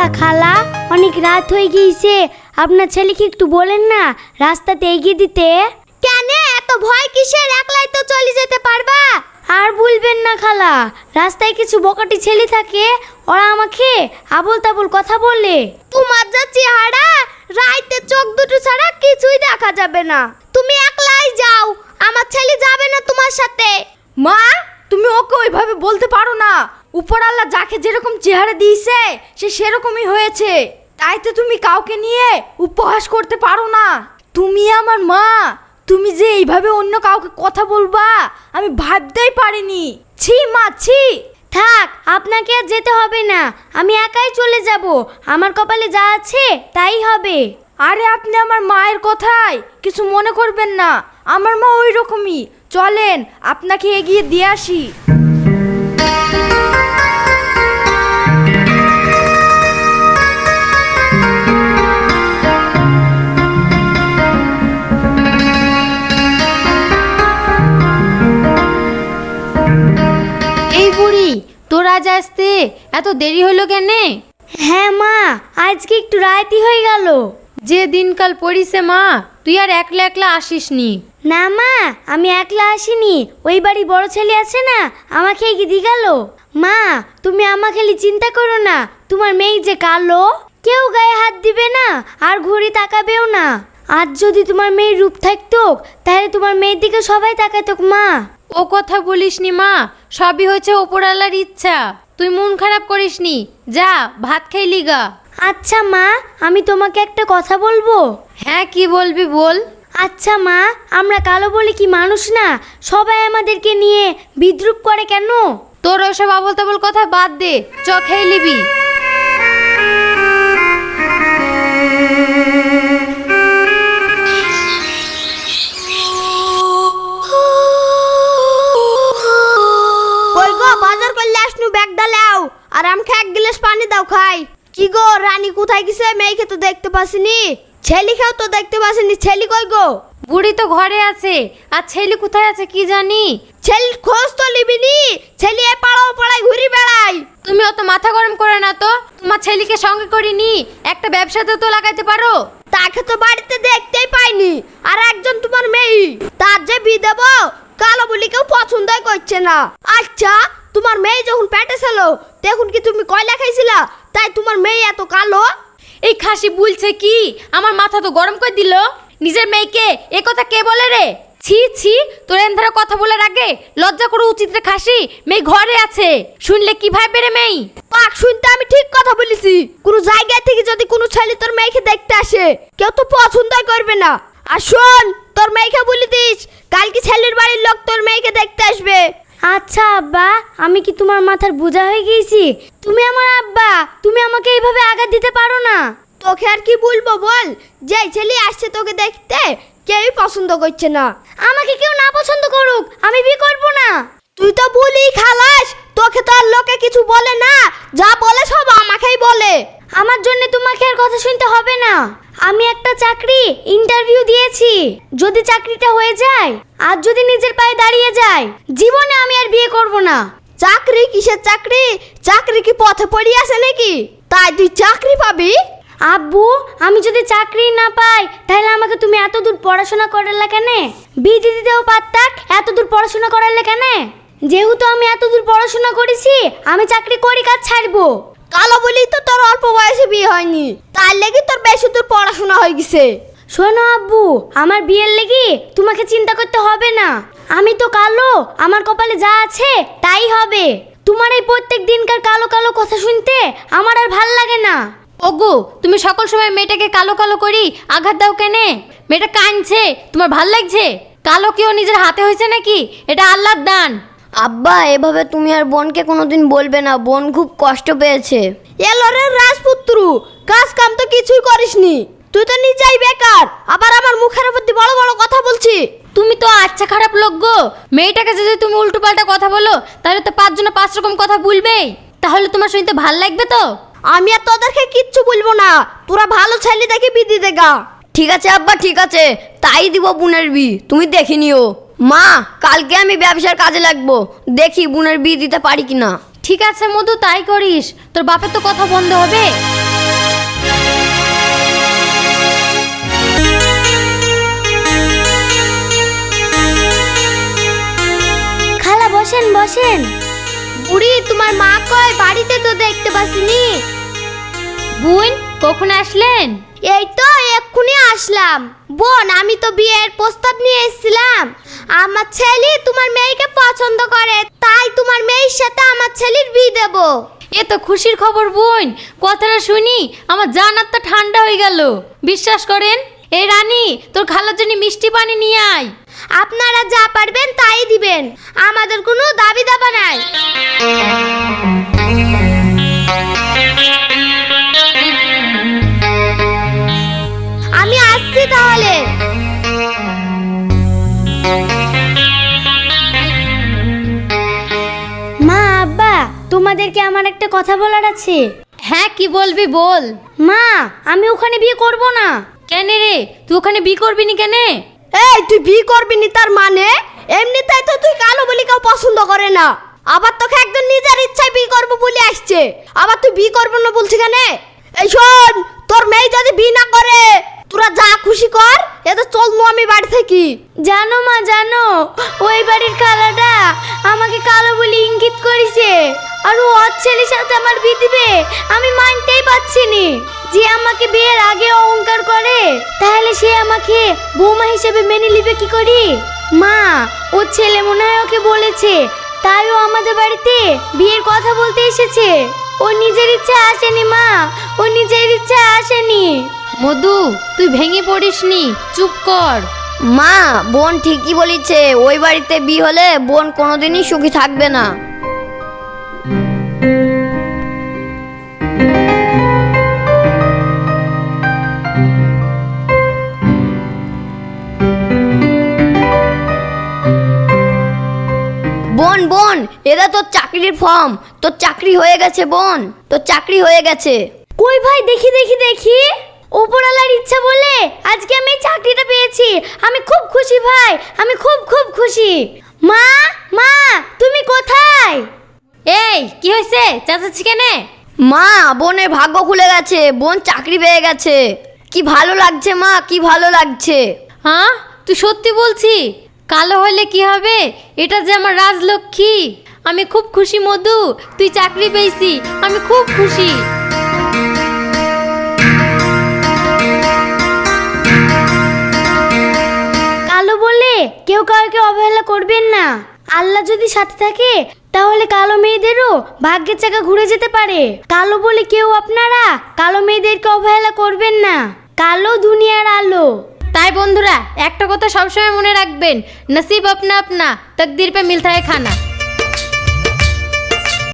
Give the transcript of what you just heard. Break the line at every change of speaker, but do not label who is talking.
খালা, অনেক রাত হয়ে গিয়েছে, আপনার ছেলেকে একটু বলেন না রাস্তাতে এগিয়ে দিতে। কেন এত ভয় কিসের? একলাই তো চলে যেতে পারবা। আর বলবেন না খালা, রাস্তায় কিছু বকাটি ছেলে থাকে, ওরা আমাকে আবল তাবল কথা বলে। তোমার যা চেহারা, রাইতে চোখ দুটো ছাড়া কিছুই দেখা যাবে না। তুমি একলাই যাও, আমার ছেলে যাবে না তোমার সাথে।
মা, তুমি ওকে ওইভাবে বলতে পারো না। উপর আল্লাহ যাকে যেরকম চেহারা দিয়েছে সে সেরকমই হয়েছে, তাই তো তুমি কাউকে নিয়ে উপহাস করতে পারো না। তুমি আমার মা, তুমি যে এইভাবে অন্য কাউকে কথা বলবা আমি ভাবতেই পারিনি। ছি মা, ছি।
থাক, আপনাকে আর যেতে হবে না, আমি একাই চলে যাব। আমার কপালে যা আছে তাই হবে।
আরে আপনি আমার মায়ের কথায় কিছু মনে করবেন না, আমার মা ওই রকমই। চলেন আপনাকে এগিয়ে দিয়ে আসি।
এই বুড়ি, তোর আজ আসতে এত দেরি হলো কেন?
হ্যাঁ মা, আজকে একটু রাইতি হয়ে গেল।
যে দিনকাল পড়িছে মা, তুই আর একলা একলা আসিস নি।
না মা, আমি একলা আসিনি, ওই বাড়ি বড় ছেলে আছে না, আমাকে এগিয়ে দিয়ে গেল। মা, তুমি আমাকে চিন্তা করো না, তোমার মেয়ে যে কালো, কেউ গায়ে হাত দিবে না আর ঘুরে তাকাবেও না। আজ যদি তোমার মেয়ের রূপ থাকতো তাহলে তোমার মেয়ের দিকে সবাই তাকাতো। মা,
ও কথা বলিস নি মা, সবই হচ্ছে ওপরওয়ালার ইচ্ছা। তুই মন খারাপ করিস নি, যা ভাত খাইলি গা।
আচ্ছা মা, আমি তোমাকে একটা কথা বলবো।
হ্যাঁ, কি বলবি বল।
আচ্ছা মা, আমরা কালো বলে কি মানুষ না? সবাই আমাদেরকে নিয়ে বিদ্রুপ করে কেন?
তোর ওসব আবল তাবল কথা বাদ দে, চ খেয়ে নিবি।
কই গো, বাজার করলে আসনু, ব্যাগ ডালাও আর আমাকে এক গ্লাস পানি দাও খাই। কি গো রানী, কোথায় গেছে? মেয়েকে তো দেখতে পাসিনি, ছেলেকেও তো দেখতে পাসিনি। ছেলে কই গো?
বুড়ি তো ঘরে আছে, আর ছেলে কোথায় আছে কি জানি।
ছেলের খোঁজ তো লিবিনি, ছেলে এ পাড়াও পাড়ায় ঘুরি বেড়াই।
তুমি অত মাথা গরম করে না তো, তোমার ছেলেকে সঙ্গে করিনি, একটা ব্যবসাতে তো লাগাইতে পারো।
তাকে তো বাড়িতে দেখতেই পাইনি, আর একজন তোমার মেয়ে, তার যে বিয়ে দেবো, কালো বলি কেউ পছন্দই করছে না। আচ্ছা, তোমার মেয়ে যখন পেটে ছিল তখন কি তুমি কয়লা খাইছিলা, তাই তোমার মেয়ে এত কালো?
এই খাসি বলছে কি, আমার মাথা তো গরম করে দিল। নিজের মেয়েকে এ কথা কে বলে রে? ছি ছি, তোর এন্ধারা কথা বলার আগে লজ্জা করে উচিত রে। খাসি মেয়ে ঘরে আছে, শুনলে কি ভাববে রে মেয়ে?
পাক শুনতে আমি ঠিক কথা বলেছি। কোন জায়গা থেকে যদি কোনো ছেলে তোর মেয়েকে দেখতে আসে, কেউ তো পছন্দই করবে না। আর শোন, তোর মেয়েকে বলে দিস কালকে ছেলের বাড়ির লোক তোর মেয়েকে দেখতে আসবে।
আচ্ছা আব্বা, আমি কি তোমার মাথার বোঝা হয়ে গেছি? তুমি আমার আব্বা, তুমি আমাকে এইভাবে আঘাত দিতে পারো না।
তোকে আর কি বলবো বল, যে ছেলে আসছে তোকে দেখতে কেউই পছন্দ করছে না।
আমাকে কেউ না পছন্দ করুক, আমি বিয়ে করবো না।
তুই তো বলি খালাস, তোকে তো আর লোকে কিছু বলে না, যা বলে সব আমাকেই বলে।
আমার জন্য তোমাকে আর কথা শুনতে হবে না। আমি একটা চাকরি ইন্টারভিউ দিয়েছি, যদি চাকরিটা হয়ে যায় আর যদি নিজের পায়ে দাঁড়িয়ে যায়, জীবনে আমি আর বিয়ে করব না।
চাকরি? কিসের চাকরি? চাকরি কি পথে পড়ে আছে নাকি, তাই তুই চাকরি পাবি?
আব্বু, আমি যদি চাকরি না পাই তাহলে আমাকে তুমি এত দূর পড়াশোনা করালে কেন? বিয়ে দিতেও পারতাক, এত দূর পড়াশোনা করালে কেন? যেহেতু আমি এত দূর পড়াশোনা করেছি, আমি চাকরি করি, কাজ ছাড়বো।
কালো বলি তো তোর অল্প বয়সে বিয়ে হয়নি, তার লেগে তোর বেশি দূর পড়াশোনা হয়ে গেছে।
শোনো আব্বু, আমার বিয়ের লেগে তোমাকে চিন্তা করতে হবে না। আমি তো কালো, আমার কপালে যা আছে তাই হবে। তোমার এই প্রত্যেক দিনকার কালো কালো কথা শুনতে আমার আর ভাল লাগে না।
ওগো, তুমি সকল সময় মেয়েটাকে কালো কালো করি আঘাত দাও কেনে? মেয়েটা কাঁদছে, তোমার ভাল লাগছে? কালো কেউ নিজের হাতে হয়েছে নাকি? এটা আল্লাহর দান।
আব্বা, এভাবে তুমি আর বোনকে কোনোদিন বলবে না, বোন খুব কষ্ট পেয়েছে।
এলো রে রাজপুত্র, কাজ কাম তো কিছুই করিসনি, তুই তো নিজেই বেকার, আবার আমার মুখের উপর দিয়ে বড় বড় কথা বলছি।
তুমি তো আচ্ছা খারাপ লোক গো। মেয়েটাকে যদি তুমি উল্টো পাল্টা কথা বলো তাহলে তো 5 জনে 5 রকম কথা বলবেই। তাহলে তোমার শুনতে ভাল লাগবে তো?
আমি আর তোদেরকে কিচ্ছু বলবো না, তোরা ভালো ছেলে দেখে বিয়ে দে গা।
ঠিক আছে আব্বা, ঠিক আছে, তাই দিব বোনের বিয়ে, তুমি দেখে নিও। মা, কালকে আমি ব্যবসার কাজে লাগবো, দেখি বোনের বিয়ে দিতে পারি কিনা।
ঠিক আছে মধু, তাই করিস, তোর বাপের তো কথা বন্ধ হবে।
বসেন বসেন। বুড়ি, তোমার মা কই? বাড়িতে তো দেখতে পাসিনি।
বোন কখন আসলেন?
এই তো এক্ষুনি আসলাম। বোন, আমি তো বিয়ের প্রস্তাব নিয়ে এসেছিলাম। আমার ছেলে তোমার মেয়েকে পছন্দ করে, তাই তোমার মেয়ের সাথে আমার ছেলের বিয়ে দেব।
এ তো খুশির খবর বোন, কথাটা শুনি আমার জান আত্মা ঠান্ডা হয়ে গেল। বিশ্বাস করেন। এই রানী, তোর খালার জন্য মিষ্টি পানি নিয়ে আয়।
আপনারা যা পারবেন তাই দিবেন, আমাদের কোনো দাবি দাবা নাই। আমি আসছি তাহলে। মা, আব্বা, তোমাদেরকে আমার একটা কথা বলার আছে।
হ্যাঁ, কি বলবি বল।
মা, আমি ওখানে বিয়ে করব না।
কেন রে, তুই ওখানে বিয়ে করবি নি কেন?
এই, তুই বিয়ে করবি নি তার মানে? এমনিতেই তো তুই কালো বলি কেউ পছন্দ করে না, আবার তোকে একজন নিজের ইচ্ছায় বিয়ে করবো বলে আসছে, আবার তুই বিয়ে করবো না বলছি কেন? এই শোন, তোর মেয়ে যদি বিয়ে না করে তোরা যা খুশি কর, এতে চল নু আমি বাড়ি থেকে।
জানো মা, জানো ওই বাড়ির খালাটা আমাকে কালো বলে ইঙ্গিত করেছে, আর ও ওর ছেলের সাথে আমার বিয়ে দিবে। আমি মানতেই পারছি নি। যে আমাকে বিয়ের আগে অহংকার করে, তাহলে সে আমাকে বৌমা হিসেবে মেনে নিবে কি করি? মা, ওর ছেলে মনে হয় ওকে বলেছে, তাই ও আমাদের বাড়িতে বিয়ের কথা বলতে এসেছে। ও নিজের ইচ্ছা আসেনি মা, ও নিজের ইচ্ছা আসেনি।
মধু, তুই ভেঙে পড়িস নি, চুপ কর।
মা, বোন ঠিকই বলেছে, ওই বাড়িতে বিয়ে হলে বোন কোনোদিনই সুখী থাকবে না। বোন বোন, এটা তোর চাকরির ফর্ম, তোর চাকরি হয়ে গেছে বোন, তোর চাকরি হয়ে গেছে।
কই ভাই, দেখি দেখি দেখি। উপরওয়ালার ইচ্ছা বলে আজকে আমি এই চাকরিটা পেয়েছি। আমি খুব খুশি ভাই, আমি খুব খুব খুশি। মা, মা, তুমি কোথায়?
এই, কি হয়েছে? চাচাচ্ছি কেন?
মা, বোনের ভাগ্য খুলে গেছে, বোন চাকরি পেয়ে গেছে। কি ভালো লাগছে মা, কি ভালো লাগছে।
হ্যাঁ, তুই সত্যি বলছি? কালো হলে কি হবে, এটা যে আমার রাজলক্ষ্মী। আমি খুব খুশি মধু, তুই চাকরি পেয়েছি, আমি খুব খুশি।
কালো বলে কেউ কাউকে অবহেলা করবেন না। আল্লাহ যদি সাথে থাকে, তাহলে কালো মেয়েদেরও ভাগ্যের চাকা ঘুরে যেতে পারে। কালো বলে কেউ আপনারা কালো মেয়েদেরকে অবহেলা করবেন না। কালো দুনিয়ার আলো।
তাই বন্ধুরা, একটা কথা সবসময় মনে রাখবেন, নসিব আপনা আপনা, তকদির পে মিলতা है খানা।